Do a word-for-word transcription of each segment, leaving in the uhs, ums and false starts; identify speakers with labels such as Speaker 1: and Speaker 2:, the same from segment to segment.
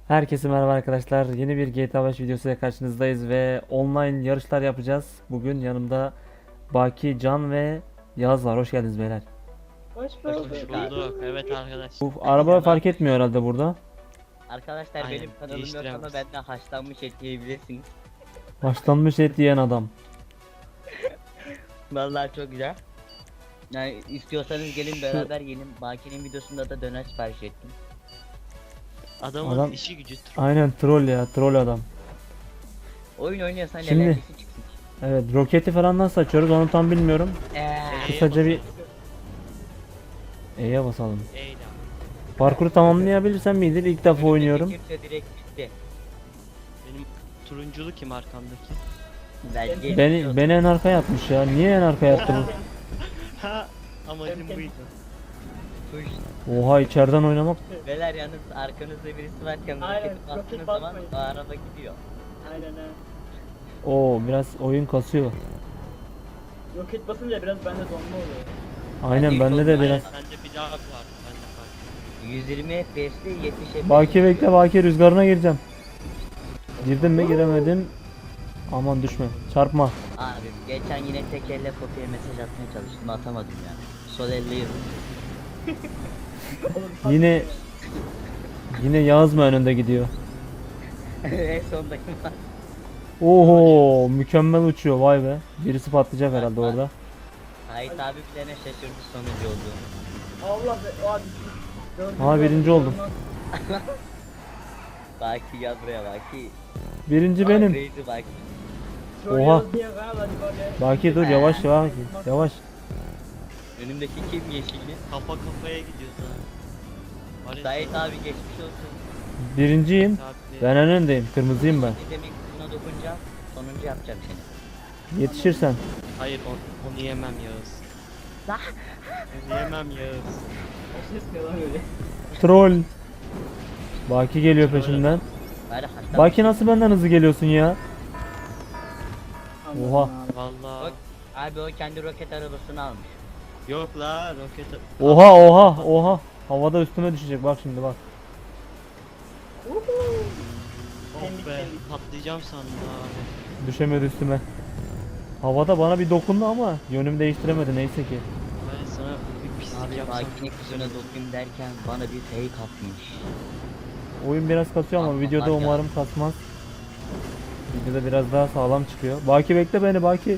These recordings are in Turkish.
Speaker 1: Herkese merhaba arkadaşlar. Yeni bir G T A beş videosuyla karşınızdayız ve online yarışlar yapacağız. Bugün yanımda Baki, Can ve Yağız var. Hoş geldiniz beyler.
Speaker 2: Hoş
Speaker 3: Hoş
Speaker 2: bulduk.
Speaker 3: bulduk. Evet arkadaş.
Speaker 1: Bu araba fark etmiyor herhalde burada.
Speaker 3: Arkadaşlar
Speaker 2: Aynen,
Speaker 3: benim kanalım yok ama
Speaker 2: değiştiremez.
Speaker 3: benden haşlanmış et yiyebilirsiniz.
Speaker 1: Haşlanmış et yiyen adam.
Speaker 3: Vallahi çok güzel. Yani istiyorsanız gelin beraber gelin. Baki'nin videosunda da döner sipariş ettim.
Speaker 2: Adamın
Speaker 1: Adam-
Speaker 2: işi gücü troll.
Speaker 1: Aynen troll ya, troll adam.
Speaker 3: Oyun oynuyorsan
Speaker 1: Şimdi-
Speaker 3: eğlencesi çıksın.
Speaker 1: Evet, roketi falan nasıl açıyoruz onu tam bilmiyorum.
Speaker 3: Eee.
Speaker 1: Kısaca bir E'ye basalım.
Speaker 2: Eyle.
Speaker 1: Parkuru tamamlayabilirsem midir? İlk defa oynuyorum.
Speaker 3: Kimse direkt gitti.
Speaker 2: Benim turunculu kim arkamdaki?
Speaker 3: Belki
Speaker 1: Beni, beni en arkaya atmış ya. Niye en arkaya attı bu?
Speaker 2: Ha amacım buydu.
Speaker 3: Tuş.
Speaker 1: Oha, içeriden oynamak.
Speaker 3: Beyler yalnız arkanızda birisi varken
Speaker 4: Aynen,
Speaker 3: roketi bastığınız
Speaker 4: roket
Speaker 3: zaman
Speaker 4: basmayın.
Speaker 3: o araba gidiyor.
Speaker 4: Aynen ha.
Speaker 1: Oo, biraz oyun kasıyor.
Speaker 4: Roket basınca biraz bende donma oluyor.
Speaker 1: Aynen
Speaker 3: Hadi
Speaker 1: bende de
Speaker 3: yolda.
Speaker 1: biraz.
Speaker 2: Bende bir daha var. Bende var.
Speaker 3: yüz yirmi F P S'te yetmiş F P S.
Speaker 1: Baki bekle, Baki rüzgarına gireceğim. Girdim mi giremedim. Aman düşme. Çarpma.
Speaker 3: Abi geçen yine tek elle kopya mesaj atmaya çalıştım atamadım ya. Sol elle yazdım.
Speaker 4: Oğlum,
Speaker 1: Yine yine Yağız mı önünde gidiyor?
Speaker 3: En sondayım.
Speaker 1: Oho, mükemmel uçuyor, vay be. Birisi patlayacak herhalde orada.
Speaker 3: Hayır abi bir tane şaşırdı sonucu oldu.
Speaker 4: Allah be, o abi. Dördüncü
Speaker 1: Aa, birinci oldum.
Speaker 3: Baki gel buraya Baki.
Speaker 1: Birinci benim.
Speaker 3: Crazy Baki.
Speaker 4: Troll
Speaker 1: Oha.
Speaker 4: yaz diye galiba böyle.
Speaker 1: Baki dur, yavaş yavaş. Yavaş.
Speaker 3: Önümdeki kim yeşilli?
Speaker 2: Kafa kafaya gidiyoruz ha. Var ya,
Speaker 3: Sait abi geçmiş olsun.
Speaker 1: Birinciyim.
Speaker 2: saatli-
Speaker 1: Ben en öndeyim. Kırmızıyım ben.
Speaker 3: Ne demek buna dokunacağım. Sonuncu yapacağım seni.
Speaker 1: Yetişirsen.
Speaker 2: Hayır onu, onu yemem Yağız.
Speaker 3: Lah.
Speaker 2: Onu yemem Yağız.
Speaker 4: O ses ne lan öyle?
Speaker 1: Troll. Baki geliyor peşimden.
Speaker 3: Bari hatta
Speaker 1: Baki nasıl benden hızlı geliyorsun ya?
Speaker 4: Anladım
Speaker 1: Oha.
Speaker 4: abi.
Speaker 2: Valla.
Speaker 3: Bak, abi o kendi roket arabasını almış.
Speaker 2: Yok la roket.
Speaker 1: Oha oha oha. Havada üstüme düşecek, bak şimdi bak.
Speaker 4: Uhu.
Speaker 2: Oh
Speaker 4: Kendik,
Speaker 2: be
Speaker 4: kendik.
Speaker 2: patlayacağım sandım abi.
Speaker 1: Düşemedi üstüme. Havada bana bir dokundu ama yönümü değiştiremedi neyse ki.
Speaker 2: Ben sana bir pislik
Speaker 3: Abi
Speaker 2: yapsam
Speaker 3: Baki'nin
Speaker 2: çok
Speaker 3: kızına
Speaker 2: güzel olur.
Speaker 3: dokuyayım derken bana bir fake atmış.
Speaker 1: Oyun biraz kasıyor ama
Speaker 3: Atma,
Speaker 1: videoda
Speaker 3: bak ya.
Speaker 1: umarım kasmaz. Videoda biraz daha sağlam çıkıyor. Baki bekle beni, Baki.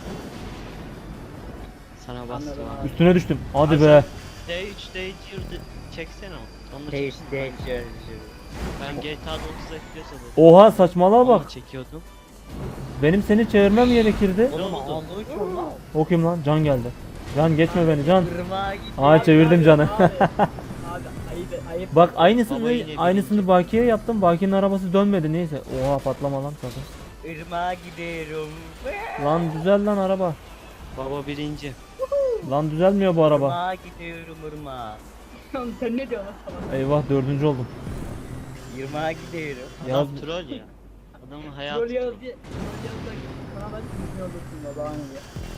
Speaker 2: Sana bastım
Speaker 4: Anladım
Speaker 2: abi.
Speaker 4: abi.
Speaker 1: Üstüne düştüm. Hadi
Speaker 2: Abi
Speaker 1: be.
Speaker 2: D üç D iki çeksene onu. Onunla
Speaker 3: Hey
Speaker 2: çeksene.
Speaker 3: işte
Speaker 2: Ben G T A'da otuz F P S alıyorum.
Speaker 1: Oha, saçmalığa
Speaker 2: Onunla
Speaker 1: bak.
Speaker 2: çekiyordum.
Speaker 1: Benim seni çevirmem gerekirdi.
Speaker 3: Oğlum
Speaker 2: Ne oldu?
Speaker 3: ağzı uçuyor lan.
Speaker 1: O kim lan? Can geldi. Can geçme beni, Can.
Speaker 3: Irmağa gitti.
Speaker 1: Aa, çevirdim
Speaker 4: Abi,
Speaker 1: Can'ı.
Speaker 4: Abi, abi ayıp ayıp.
Speaker 1: Bak
Speaker 2: Baba
Speaker 1: aynısını
Speaker 2: yine
Speaker 1: aynısını
Speaker 2: birinci.
Speaker 1: Baki'ye yaptım. Baki'nin arabası dönmedi neyse. Oha, patlama lan sakın.
Speaker 3: Irmağa gidiyorum.
Speaker 1: Lan düzel lan araba.
Speaker 2: Baba birinci.
Speaker 1: Lan düzelmiyor bu araba.
Speaker 3: Irmağa gidiyorum ırmağa.
Speaker 4: Oğlum sen ne diyorsun lan salak?
Speaker 1: Eyvah, dördüncü oldum.
Speaker 3: Irmağa gidiyorum.
Speaker 1: Yaz-
Speaker 2: Adam troll ya. Adamın hayatı
Speaker 4: Troll
Speaker 2: troll.
Speaker 4: yaz diye. Troll yaz da sana ben düzgün olursun ya, bana ne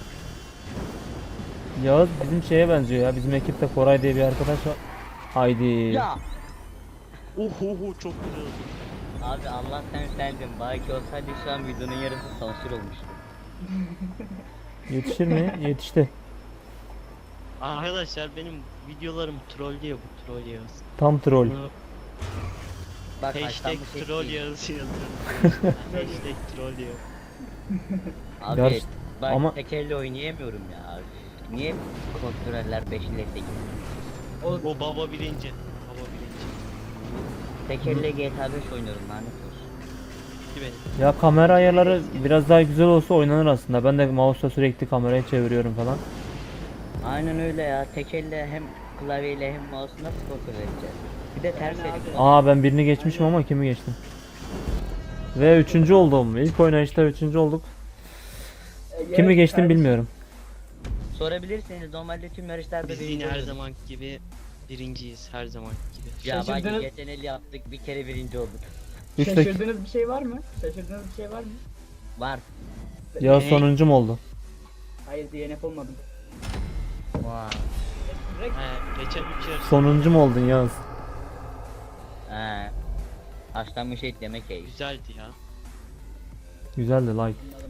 Speaker 4: ya.
Speaker 1: Yağız bizim şeye benziyor ya. Bizim ekipte Koray diye bir arkadaş var. Haydi.
Speaker 3: Ya.
Speaker 2: Uhu çok güzel oldu.
Speaker 3: Abi Allah sen sendin. Belki olsaydı şu an videonun yarısı sansür olmuştu.
Speaker 1: Yetişir mi? Yetişti.
Speaker 2: Arkadaşlar benim videolarım trollüyor bu troll yağız.
Speaker 1: Tam troll.
Speaker 2: Bunu
Speaker 3: Bak
Speaker 2: hashtag
Speaker 3: haşlanmış et
Speaker 2: troll
Speaker 3: değil.
Speaker 2: yağız yazıyorum. Hashtag troll yağız.
Speaker 3: Abi
Speaker 1: Yarış-
Speaker 3: bak
Speaker 1: ama-
Speaker 3: tek elle oynayamıyorum ya. Niye kontroller beş ile sekiz?
Speaker 2: O baba birinci. Baba birinci.
Speaker 3: Tek elle G T A beş oynuyorum lanet olsun.
Speaker 2: Ki benim.
Speaker 1: Ya kamera ayarları biraz daha güzel olsa oynanır aslında. Ben de mouse'la sürekli kamerayı çeviriyorum falan.
Speaker 3: Aynen öyle ya. Tek elle hem klavyeyle hem mouse'u nasıl kontrol edeceğiz? Bir de ters
Speaker 4: Aynen
Speaker 3: elle.
Speaker 4: abi.
Speaker 1: Aa, ben birini geçmişim ama kimi geçtim? Ve üçüncü oldum. İlk oynayışta üçüncü olduk.
Speaker 4: E,
Speaker 1: Kimi
Speaker 4: evet,
Speaker 1: geçtim
Speaker 4: kardeşim.
Speaker 1: bilmiyorum.
Speaker 3: Sorabilirsiniz normalde tüm yarışlarda
Speaker 2: Biz
Speaker 3: birinci
Speaker 2: yine her
Speaker 3: oluyoruz.
Speaker 2: zaman gibi birinciyiz her zaman gibi.
Speaker 3: Ya bak
Speaker 4: Şaşırdınız.
Speaker 3: geçen el yaptık bir kere birinci olduk.
Speaker 1: Üç dakika.
Speaker 4: Şaşırdığınız bir şey var mı? Şaşırdığınız bir şey var mı?
Speaker 3: Var.
Speaker 1: Ya
Speaker 2: Ne?
Speaker 1: sonuncum oldu.
Speaker 4: Hayır, D N F olmadım.
Speaker 3: Vay.
Speaker 4: Direkt
Speaker 2: He, geçen üç yarış.
Speaker 1: Sonuncum oldun Yağız.
Speaker 3: He. Haşlanmış et yemek ey.
Speaker 2: Güzeldi ya.
Speaker 1: Güzeldi like.
Speaker 4: Bunların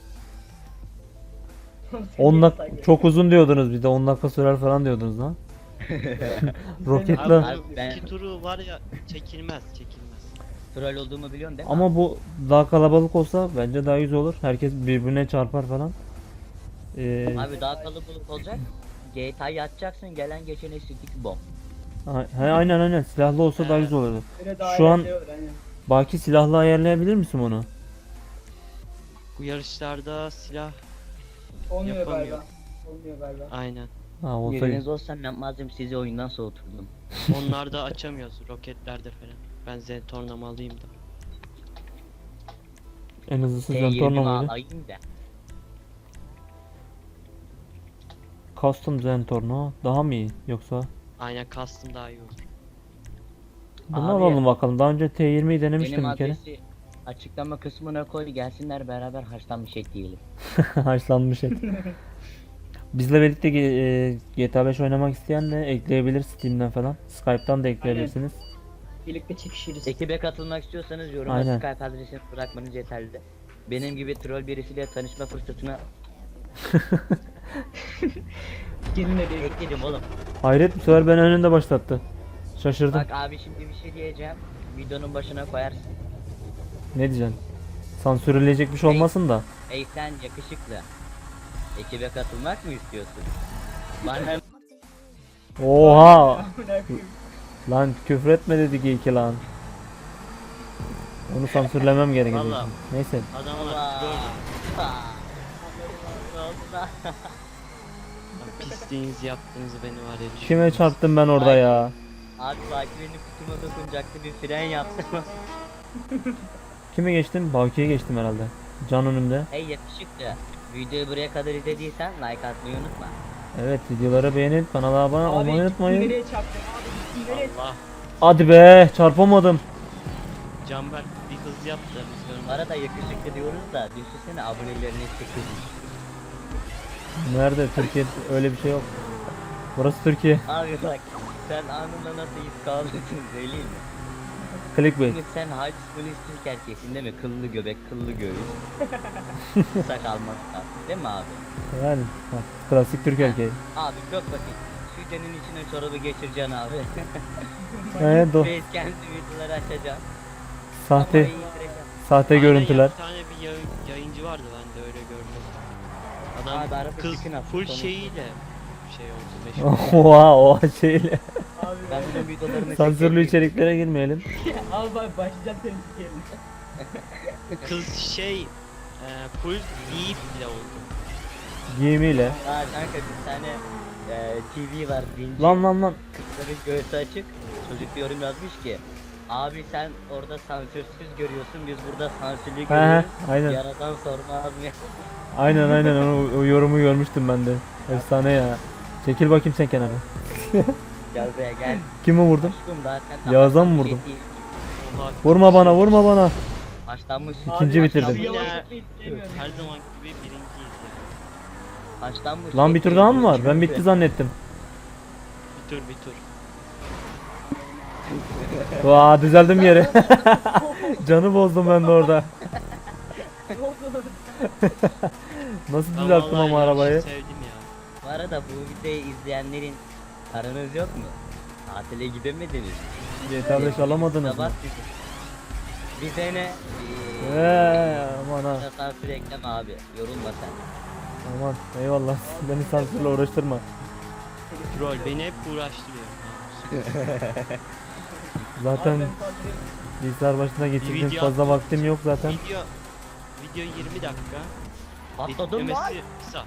Speaker 4: ağzı.
Speaker 1: on dakika çok uzun diyordunuz, bir de on dakika sürer falan diyordunuz lan. Roketle.
Speaker 2: Abi
Speaker 3: Abi
Speaker 2: bu
Speaker 3: ben-
Speaker 2: iki turu var ya çekilmez çekilmez.
Speaker 3: Troll olduğumu biliyorsun değil mi?
Speaker 1: Ama bu daha kalabalık olsa bence daha güzel olur. Herkes birbirine çarpar falan. Ee,
Speaker 3: Abi daha kalabalık olacak. G T A'yı açacaksın, gelen geçene stick bomb.
Speaker 1: a- he, aynen aynen silahlı olsa daha güzel olurdu.
Speaker 4: Böyle daha
Speaker 1: Şu an-
Speaker 4: eğlenceli olur, aynen.
Speaker 1: Baki silahlı ayarlayabilir misin onu?
Speaker 2: Bu yarışlarda silah
Speaker 4: Olmuyor
Speaker 2: Yapamıyor.
Speaker 4: galiba. Olmuyor galiba.
Speaker 2: aynen.
Speaker 1: Ha olsa
Speaker 3: Yeriniz olsam yapmazdım, sizi oyundan soğuturdum.
Speaker 2: Onlarda açamıyoruz roketlerde falan. Ben Zentorna'mı alayım da.
Speaker 1: en hızlısı
Speaker 3: T yirmi
Speaker 1: Zentorno muydu?
Speaker 3: alayım da.
Speaker 1: Custom Zentorno daha mı iyi yoksa?
Speaker 2: Aynen custom daha iyi olur.
Speaker 1: Bunu
Speaker 3: Abi-
Speaker 1: alalım bakalım. Daha önce T yirmiyi denemiştim
Speaker 3: Benim
Speaker 1: bir kere.
Speaker 3: adresi açıklama kısmına koy, gelsinler beraber haşlanmış et yiyelim.
Speaker 1: Haşlanmış et. Bizle birlikte G- e, G T A beş oynamak isteyen de ekleyebilir Steam'den falan. Skype'tan da ekleyebilirsiniz.
Speaker 4: Birlikte çekişiriz.
Speaker 3: Ekibe katılmak istiyorsanız yoruma
Speaker 1: Aynen.
Speaker 3: Skype adresini bırakmanız yeterli. Benim gibi troll birisiyle tanışma fırsatına
Speaker 4: Gelin de bir
Speaker 3: ekledim oğlum.
Speaker 1: Hayret, bu sefer beni önünde başlattı. Şaşırdım.
Speaker 3: Bak abi şimdi bir şey diyeceğim. Videonun başına koyarsın.
Speaker 1: Ne diyeceksin? Sansürleyecek bir şey olmasın da.
Speaker 3: Ey sen yakışıklı. Ekibe katılmak mı istiyorsun? Bana
Speaker 1: Oha!
Speaker 4: Ne yapayım?
Speaker 1: Lan küfür etme dedik iyi ki lan. Onu sansürlemem gerekecek.
Speaker 2: Vallahi.
Speaker 1: Neyse.
Speaker 2: Adamlar troll.
Speaker 3: Ha. Ne oldu lan?
Speaker 2: Lan pisliğinizi yaptığınızı beni var ya.
Speaker 1: Kime
Speaker 2: düşünmez.
Speaker 1: çarptım ben orada ya?
Speaker 3: Abi belki benim kutuma dokunacaktı, bir fren yaptım.
Speaker 1: Kime geçtim? Baki'ye geçtim herhalde. Can önümde.
Speaker 3: Hey yakışıklı. Videoyu buraya kadar izlediysen like atmayı unutma.
Speaker 1: Evet, videoları beğenip kanala abone
Speaker 4: Abi
Speaker 1: olmayı
Speaker 4: gittin
Speaker 1: unutmayın.
Speaker 4: nereye çarptın? Abi gittin nereye?
Speaker 2: Allah.
Speaker 1: Hadi be, çarpamadım.
Speaker 2: Canberk bir hız yap da biz
Speaker 3: Bu
Speaker 2: görmedik.
Speaker 3: arada yakışıklı diyoruz da düşünsene abonelerini çekilmiş.
Speaker 1: Nerede? Türkiye öyle bir şey yok. Burası Türkiye.
Speaker 3: Abi bak sen anında nasıl iz kaldırdın söyleyeyim mi?
Speaker 1: Clickbait.
Speaker 3: Şimdi sen high school Türk erkeğsin değil mi? Kıllı göbek, kıllı göğüs. Sakal masal. Değil mi abi?
Speaker 1: Yani bak, klasik Türk erkeği.
Speaker 3: Abi çok basit. Şu denin içine çorabı geçireceksin abi.
Speaker 1: Evet, do
Speaker 3: Face kendi videoları açacaksın.
Speaker 1: sahte
Speaker 3: Kafayı yitireceksin.
Speaker 1: sahte
Speaker 2: Aynen
Speaker 1: görüntüler.
Speaker 2: ya, bir tane bir yayın, yayıncı vardı ben de öyle gördüm. Adam
Speaker 3: Abi araba
Speaker 2: kız
Speaker 3: çıkın attı
Speaker 2: full
Speaker 3: sonra.
Speaker 2: şeyiyle şey oldu meşhur.
Speaker 1: Oha, o şeyle.
Speaker 4: Abi
Speaker 3: Ben bunun videolarını
Speaker 1: Sansürlü
Speaker 3: çekeyim.
Speaker 1: içeriklere girmeyelim.
Speaker 4: Abi bak başlayacağım senin sikerim.
Speaker 2: Kız şey e, full giyip bile oldu.
Speaker 1: Giyimiyle.
Speaker 3: Aa kanka bir tane e, T V var dinci.
Speaker 1: Lan lan lan.
Speaker 3: Kızların göğsü açık. Çocuk bir yorum yazmış ki abi sen orada sansürsüz görüyorsun, biz burada sansürlü
Speaker 1: He he,
Speaker 3: görüyoruz.
Speaker 1: aynen.
Speaker 3: Yaradan sormaz mı?
Speaker 1: Aynen aynen onu, o yorumu görmüştüm ben de. Efsane ya. Çekil bakayım sen kenara.
Speaker 3: Gel buraya gel.
Speaker 1: Kimi vurdum?
Speaker 3: Aşkım zaten
Speaker 1: Yağız'a mı
Speaker 3: bir
Speaker 1: vurdum?
Speaker 3: şey değil.
Speaker 2: Oha,
Speaker 1: Vurma bana, vurma bana.
Speaker 3: Haşlanmış.
Speaker 1: İkinci
Speaker 4: Abi,
Speaker 1: bitirdim.
Speaker 4: abi yavaşlatmayı sevmiyorum.
Speaker 2: her zaman gibi birinciyiz ya.
Speaker 3: Haşlanmış.
Speaker 1: Lan bir tur daha mı var? Ben bitti zannettim.
Speaker 2: Bir tur bir tur.
Speaker 1: Vaa, düzeldim yere. Canı bozdum ben de orada.
Speaker 4: Ne oldu?
Speaker 1: Nasıl
Speaker 2: Ben
Speaker 1: düzelttim
Speaker 2: vallahi
Speaker 1: ama arabayı?
Speaker 2: yarışı sevdim ya.
Speaker 3: Bu arada bu videoyu izleyenlerin paranız yok mu? Tatile gidemediniz.
Speaker 1: G T A beş alamadınız mı?
Speaker 3: Sabah bizim. Bize ne?
Speaker 1: Eee aman ha.
Speaker 3: Ee, sansür ekleme abi. Yorulma sen.
Speaker 1: Aman eyvallah. Beni sansürle uğraştırma.
Speaker 2: Troll beni hep uğraştırıyor.
Speaker 1: Zaten
Speaker 4: Abi ben sansürüm.
Speaker 1: bilgisayar başına geçirdiğim
Speaker 2: video
Speaker 1: fazla
Speaker 2: atmak
Speaker 1: vaktim yok zaten.
Speaker 2: Video video yirmi dakika.
Speaker 3: Patladım lan.
Speaker 2: Yetmemesi kısa.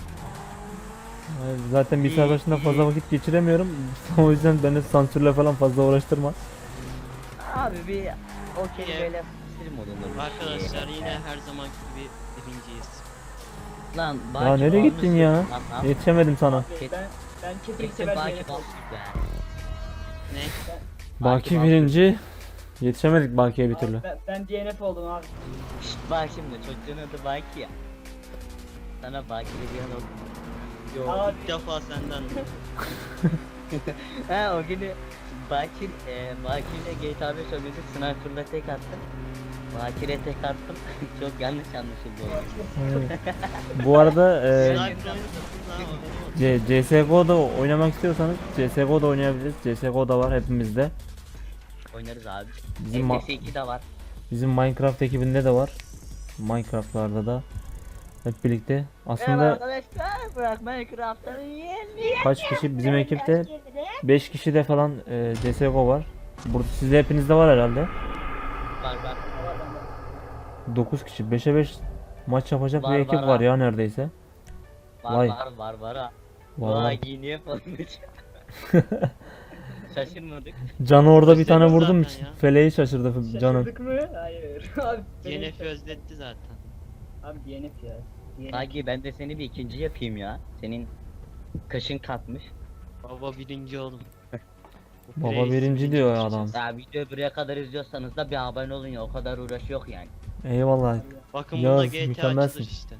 Speaker 1: Yani Zaten bilgisayar
Speaker 3: İyi,
Speaker 1: başında fazla
Speaker 3: iyi.
Speaker 1: vakit geçiremiyorum. O yüzden beni sansürle falan fazla uğraştırma.
Speaker 3: Abi bir o kelimeyle sinir modunda.
Speaker 2: Arkadaşlar yine her zaman gibi birinciyiz.
Speaker 3: Lan
Speaker 1: Ya nereye gittin ya?
Speaker 3: Lan, lan.
Speaker 1: Yetişemedim sana.
Speaker 4: Abi ben ben kesin
Speaker 3: Kesin
Speaker 4: sever
Speaker 3: Baki
Speaker 4: yemek
Speaker 3: bak
Speaker 4: oldum.
Speaker 3: be.
Speaker 2: Ne?
Speaker 1: Baki
Speaker 3: Baki
Speaker 1: birinci. Yetişemedik Baki'ye bir
Speaker 4: Abi
Speaker 1: türlü.
Speaker 4: Ben, ben D N F oldum abi.
Speaker 3: Şşt bak şimdi çocuğun adı Baki ya. Sana Baki'li bir an oldu.
Speaker 2: Yo
Speaker 4: Abi.
Speaker 2: ilk defa senden.
Speaker 3: He o günü Bakir, e, Bakir'le G T A beş oynadık, sniper'la tek attım. Bakir'e tek attım. Çok yanlış anlaşıldı o oyun.
Speaker 1: Evet. Bu arada e,
Speaker 2: Sniper oynadık lan o.
Speaker 1: C- CSGO'da oynamak istiyorsanız C S G O'da oynayabiliriz. C S G O da var hepimizde.
Speaker 3: Oynarız abi.
Speaker 1: Bizim ma-
Speaker 3: F P S iki de var.
Speaker 1: Bizim Minecraft ekibinde de var. Minecraft'larda da hep birlikte.
Speaker 3: Evet
Speaker 1: Aslında
Speaker 3: arkadaşlar, bırak Minecraft'ları yiyelim.
Speaker 1: kaç kişi bizim ekipte beş kişi de falan e, C S G O var. Burada sizde hepinizde var herhalde.
Speaker 3: Var var.
Speaker 1: dokuz kişi beşe beş maç yapacak
Speaker 3: Var,
Speaker 1: bir ekip
Speaker 3: var
Speaker 1: var
Speaker 3: ha.
Speaker 1: ya neredeyse.
Speaker 3: Var
Speaker 1: Vay.
Speaker 3: var var var ha.
Speaker 1: Var, var.
Speaker 3: Vay giyiniye falan. Şaşırmadık.
Speaker 1: Can'ı orada bir tane
Speaker 2: Özledim
Speaker 1: vurdum.
Speaker 2: zaten ya.
Speaker 1: Feleği şaşırdı Can'ın.
Speaker 4: Şaşırdık mı? Hayır. Abi
Speaker 2: D
Speaker 4: D
Speaker 2: N
Speaker 4: N
Speaker 2: F özletti zaten.
Speaker 4: Abi D N F ya. D N F.
Speaker 3: Sanki ben de seni bir ikinci yapayım ya. Senin kaşın katmış.
Speaker 2: Baba birinci oldum. Bu
Speaker 1: Baba
Speaker 2: Prius
Speaker 1: birinci diyor ya
Speaker 2: düşeceğiz.
Speaker 1: adam.
Speaker 3: Ya videoyu buraya kadar izliyorsanız da bir abone olun ya, o kadar uğraş yok yani.
Speaker 1: Eyvallah.
Speaker 2: Bakın
Speaker 1: Yağız,
Speaker 2: burada G T A
Speaker 1: mükemmelsin.
Speaker 2: açılır işte.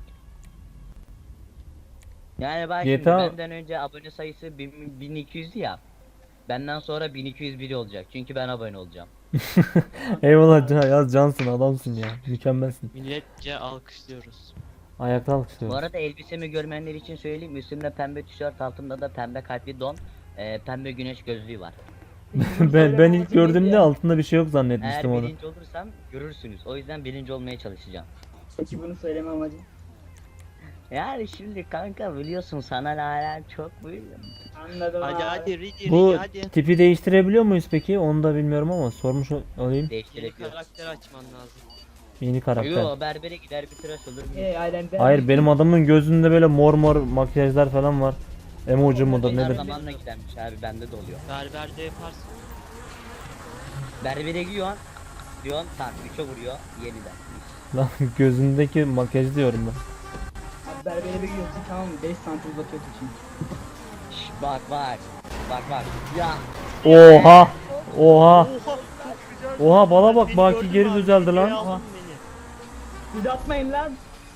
Speaker 3: Yani bak
Speaker 1: G T A
Speaker 3: şimdi benden önce abone sayısı bin- bin iki yüzdü ya. Benden sonra bin iki yüz bir olacak çünkü ben abone olacağım.
Speaker 1: Eyvallah Can, yaz Cansın adamsın ya. Mükemmelsin.
Speaker 2: Milletçe alkışlıyoruz.
Speaker 1: Ayakta
Speaker 3: Bu
Speaker 1: alkışlıyorum.
Speaker 3: arada elbisemi görmeyenler için söyleyeyim, üstümde pembe tişört, altımda da pembe kalpli don, e, pembe güneş gözlüğü var.
Speaker 1: ben ben ilk gördüğümde altında bir şey yok
Speaker 3: Eğer
Speaker 1: zannetmiştim onu.
Speaker 3: birinci olursam görürsünüz. O yüzden birinci olmaya çalışacağım.
Speaker 4: Peki bunu söyleme amacım.
Speaker 3: Yani şimdi kanka biliyorsun sana hala çok büyük.
Speaker 4: Anladım
Speaker 2: Hadi
Speaker 4: abi.
Speaker 2: hadi Ridi
Speaker 1: Bu
Speaker 2: Ridi hadi.
Speaker 1: tipi değiştirebiliyor muyuz peki? Onu da bilmiyorum ama sormuş ol- olayım.
Speaker 2: Yeni
Speaker 3: Değiştirebiliyor.
Speaker 2: karakter açman lazım.
Speaker 1: Yeni karakter.
Speaker 3: Yo berbere gider bir tıraş olur. bir-
Speaker 4: Hey aynen ben.
Speaker 1: Hayır benim adamın gözünde böyle mor mor makyajlar falan var. Emoji mudur
Speaker 3: Onlar
Speaker 1: nedir?
Speaker 3: zamanla gidermiş abi, bende de oluyor.
Speaker 2: Berberde yaparsın.
Speaker 3: Berbere gidiyorsun. Diyorsun tak üçe vuruyor yeniden.
Speaker 1: Lan gözündeki makyaj diyorum ben.
Speaker 4: Abi berbere bir gidiyorsun tamam mı? beş santim uzatıyorsun şimdi.
Speaker 3: Şş, bak bak. Bak bak. Ya.
Speaker 1: Oha! Oha! Oha bala bak Baki geri düzeldi lan.
Speaker 2: Aldın beni.
Speaker 4: Uzatmayın lan.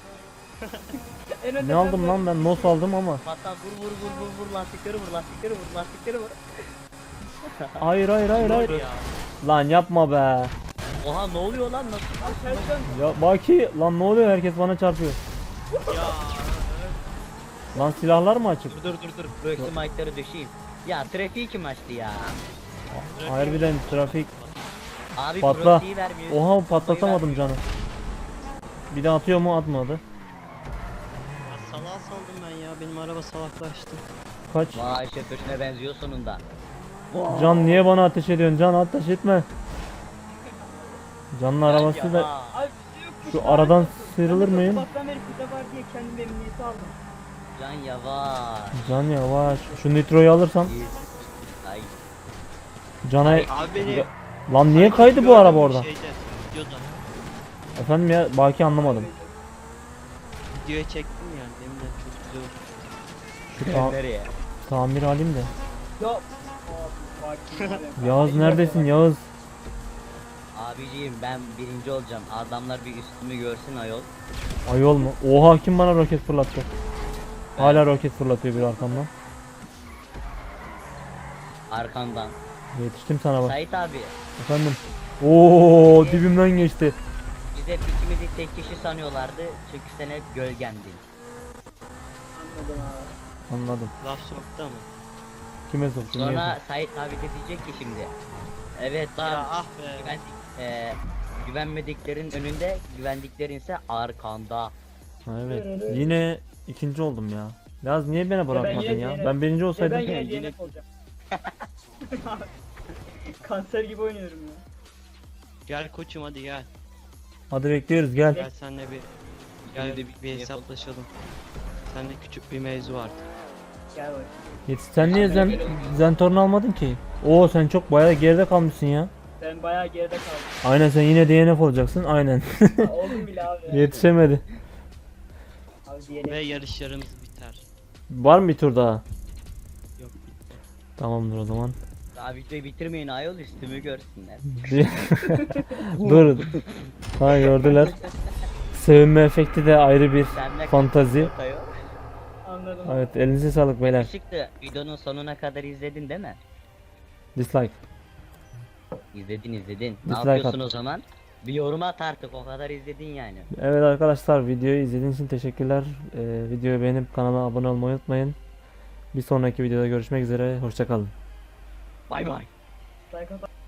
Speaker 4: En önde
Speaker 1: Ne aldım
Speaker 4: ben
Speaker 1: lan ben nos aldım ama.
Speaker 3: Hatta vur vur vur vur vur lastikleri vur lastikleri vur lastikleri vur.
Speaker 1: Hayır hayır hayır hayır.
Speaker 2: Ya.
Speaker 1: Lan yapma be.
Speaker 3: Oha ne oluyor lan nasıl?
Speaker 4: Abi Sercan.
Speaker 1: Ya Baki lan ne oluyor herkes bana çarpıyor.
Speaker 2: Ya.
Speaker 1: Lan silahlar mı açık?
Speaker 3: Dur dur dur dur. Röksü mike'ları düşeyim. Ya trafiği kim açtı ya?
Speaker 1: Harbiden trafik.
Speaker 3: Abi
Speaker 1: Patla.
Speaker 3: proxiyi vermiyor.
Speaker 1: Oha patlatamadım canı. Bir de atıyor mu atmadı.
Speaker 2: Ya salağa saldım ben ya. Benim araba salaklaştı.
Speaker 1: Kaç?
Speaker 3: Vay şoförüne benziyor sonunda.
Speaker 1: Can niye bana ateş ediyorsun? Can ateş etme. Can'ın arabası da
Speaker 4: Abi bir şey yokmuş
Speaker 1: şu
Speaker 4: lan.
Speaker 1: aradan sıyrılır
Speaker 4: Ben de
Speaker 1: mıyım?
Speaker 4: Sabahtan beri kıza var diye kendim emniyete aldım.
Speaker 3: Can yavaş.
Speaker 1: Can yavaş. Şu nitroyu alırsam
Speaker 3: Ay.
Speaker 1: Can'a
Speaker 2: Abi beni...
Speaker 1: lan niye kaydı bu araba orada?
Speaker 2: Şeyde, videoda.
Speaker 1: Efendim ya Baki anlamadım.
Speaker 2: Videoya çektim ya. Deminden çok güzel oldu.
Speaker 1: Şu ta-
Speaker 3: Nereye?
Speaker 1: tamir alayım da.
Speaker 4: Ya. Abi bak.
Speaker 1: Yağız neredesin Yağız?
Speaker 3: Abiciğim ben birinci olacağım. Adamlar bir üstümü görsün ayol.
Speaker 1: Ayol mu? Oha kim bana roket fırlattı? Hala roket fırlatıyor bir arkamdan.
Speaker 3: Arkandan.
Speaker 1: Yetiştim sana bak.
Speaker 3: Sait abi.
Speaker 1: Efendim. Oo dibimden geçti.
Speaker 3: Biz hep ikimizi tek kişi sanıyorlardı. Çünkü sen hep gölgendin.
Speaker 4: Anladım abi.
Speaker 1: Anladım.
Speaker 2: Laf soktu ama.
Speaker 1: Kime soktun? Niye
Speaker 3: Sonra Sait abi de diyecek ki şimdi. Evet
Speaker 2: Ya
Speaker 3: lan.
Speaker 2: ah be.
Speaker 3: Güvendik, eee, güvenmediklerin önünde, güvendiklerin ise arkanda.
Speaker 1: soktun? Ha, evet. Yine ikinci oldum ya. Yaz niye beni bırakmadın
Speaker 4: yine
Speaker 1: ya?
Speaker 4: D N F.
Speaker 1: Ben birinci
Speaker 4: Ya
Speaker 1: olsaydım.
Speaker 4: ben yine
Speaker 3: yine-
Speaker 4: D N F olacağım. Kanser gibi oynuyorum ya.
Speaker 2: Gel koçum hadi gel.
Speaker 1: Hadi bekliyoruz gel.
Speaker 2: Gel senle bir gel
Speaker 3: Yine de
Speaker 2: bir,
Speaker 3: bir-
Speaker 2: bir hesaplaşalım. Seninle küçük bir mevzu vardı.
Speaker 4: Gel bak.
Speaker 1: Yetiş sen niye zen Zentorn almadın ki? Oo sen çok bayağı geride kalmışsın ya.
Speaker 4: Ben bayağı geride kaldım.
Speaker 1: Aynen sen yine D N F olacaksın. Aynen.
Speaker 4: Ha, oldum bile abi. ya.
Speaker 1: Yetişemedi.
Speaker 4: Abi diyelim.
Speaker 2: Ve yarışlarımız biter.
Speaker 1: Var mı bir tur daha?
Speaker 2: Yok bitti.
Speaker 1: Tamamdır o zaman.
Speaker 3: Daha videoyu bitirmeyin ayol, üstümü görsünler.
Speaker 1: Dur. Ha gördüler. Sevinme efekti de ayrı bir
Speaker 3: Sen ne
Speaker 1: fantazi.
Speaker 3: kadar ayol?
Speaker 4: Anladım.
Speaker 1: Evet elinize sağlık beyler.
Speaker 3: Çıktı. Videonun sonuna kadar izledin değil mi?
Speaker 1: Dislike.
Speaker 3: İzledin izledin. Ne
Speaker 1: Dislike
Speaker 3: yapıyorsun
Speaker 1: at.
Speaker 3: o zaman? Bir yorum at artık, o kadar izledin yani.
Speaker 1: Evet arkadaşlar, videoyu izlediğiniz için teşekkürler. Ee, videoyu beğenip kanala abone olmayı unutmayın. Bir sonraki videoda görüşmek üzere. Hoşça kalın.
Speaker 3: Bay bay.
Speaker 4: Like atar.